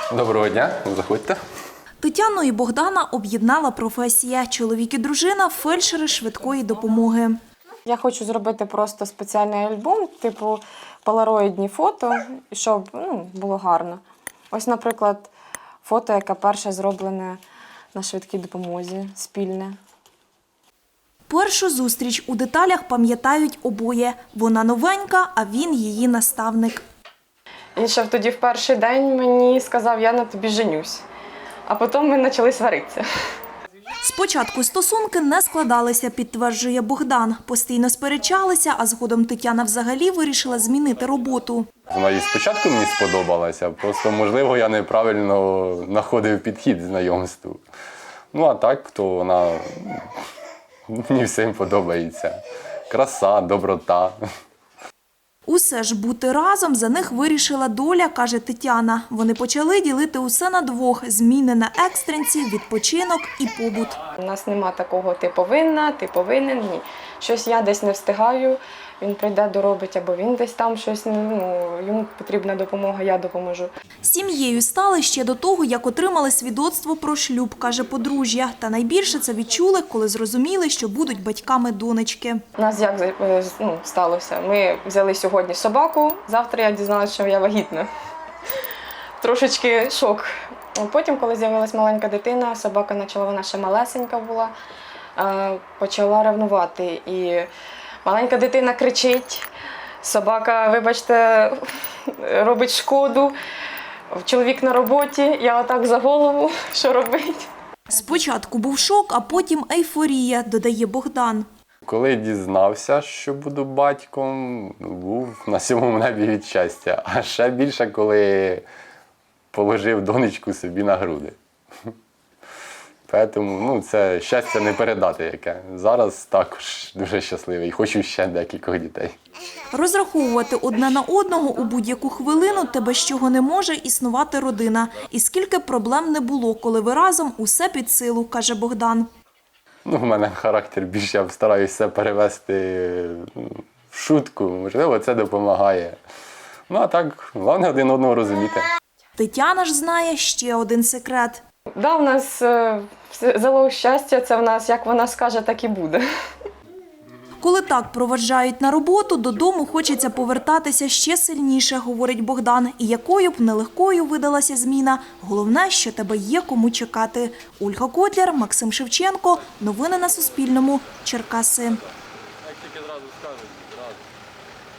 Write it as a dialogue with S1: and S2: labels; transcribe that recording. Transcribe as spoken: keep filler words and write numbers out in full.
S1: Доброго дня, заходьте.
S2: Тетяну і Богдана об'єднала професія. Чоловік і дружина – фельдшери швидкої допомоги.
S3: Я хочу зробити просто спеціальний альбом, типу полароїдні фото, щоб ну, було гарно. Ось, наприклад, фото, яке перше зроблене на швидкій допомозі, спільне.
S2: Першу зустріч у деталях пам'ятають обоє. Вона новенька, а він її наставник.
S3: І ще тоді в перший день мені сказав, я на тобі женюсь. А потім ми почали сваритися.
S2: Спочатку стосунки не складалися, підтверджує Богдан. Постійно сперечалися, а згодом Тетяна взагалі вирішила змінити роботу.
S1: Вона і спочатку мені сподобалася, просто, можливо, я неправильно знаходив підхід знайомству. Ну, а так, то вона мені всім подобається. Краса, доброта.
S2: Усе ж бути разом за них вирішила доля, каже Тетяна. Вони почали ділити усе на двох – зміни на екстренці, відпочинок і побут.
S3: У нас нема такого «ти повинна», «ти повинен». Ні. Щось я десь не встигаю, він прийде доробить, або він десь там щось, ну, йому потрібна допомога, я допоможу.
S2: Сім'єю стали ще до того, як отримали свідоцтво про шлюб, каже подружжя. Та найбільше це відчули, коли зрозуміли, що будуть батьками донечки.
S3: У нас як ну, сталося? Ми взяли сьогодні собаку, завтра я дізналася, що я вагітна. Трошечки шок. Потім, коли з'явилась маленька дитина, собака почала, вона ще малесенька була, почала ревнувати. І маленька дитина кричить, собака, вибачте, робить шкоду, чоловік на роботі, я отак за голову, що робить.
S2: Спочатку був шок, а потім ейфорія, додає Богдан.
S1: Коли дізнався, що буду батьком, був на сьомому небі від щастя. А ще більше, коли положив донечку собі на груди. Тому ну, це щастя не передати яке. Зараз також дуже щасливий. Хочу ще декількох дітей.
S2: Розраховувати одне на одного у будь-яку хвилину – те, без чого не може існувати родина. І скільки проблем не було, коли ви разом, усе під силу, каже Богдан.
S1: Ну, в мене характер більше, я стараюся все перевести в шутку. Можливо, це допомагає. Ну, а так, головне один одного розуміти.
S2: Тетяна ж знає ще один секрет.
S3: Да, в нас е, залог щастя, це в нас, як вона скаже, так і буде.
S2: Коли так проваджають на роботу, додому хочеться повертатися ще сильніше, говорить Богдан. І якою б нелегкою видалася зміна, головне, що тебе є кому чекати. Ольга Котляр, Максим Шевченко. Новини на Суспільному. Черкаси.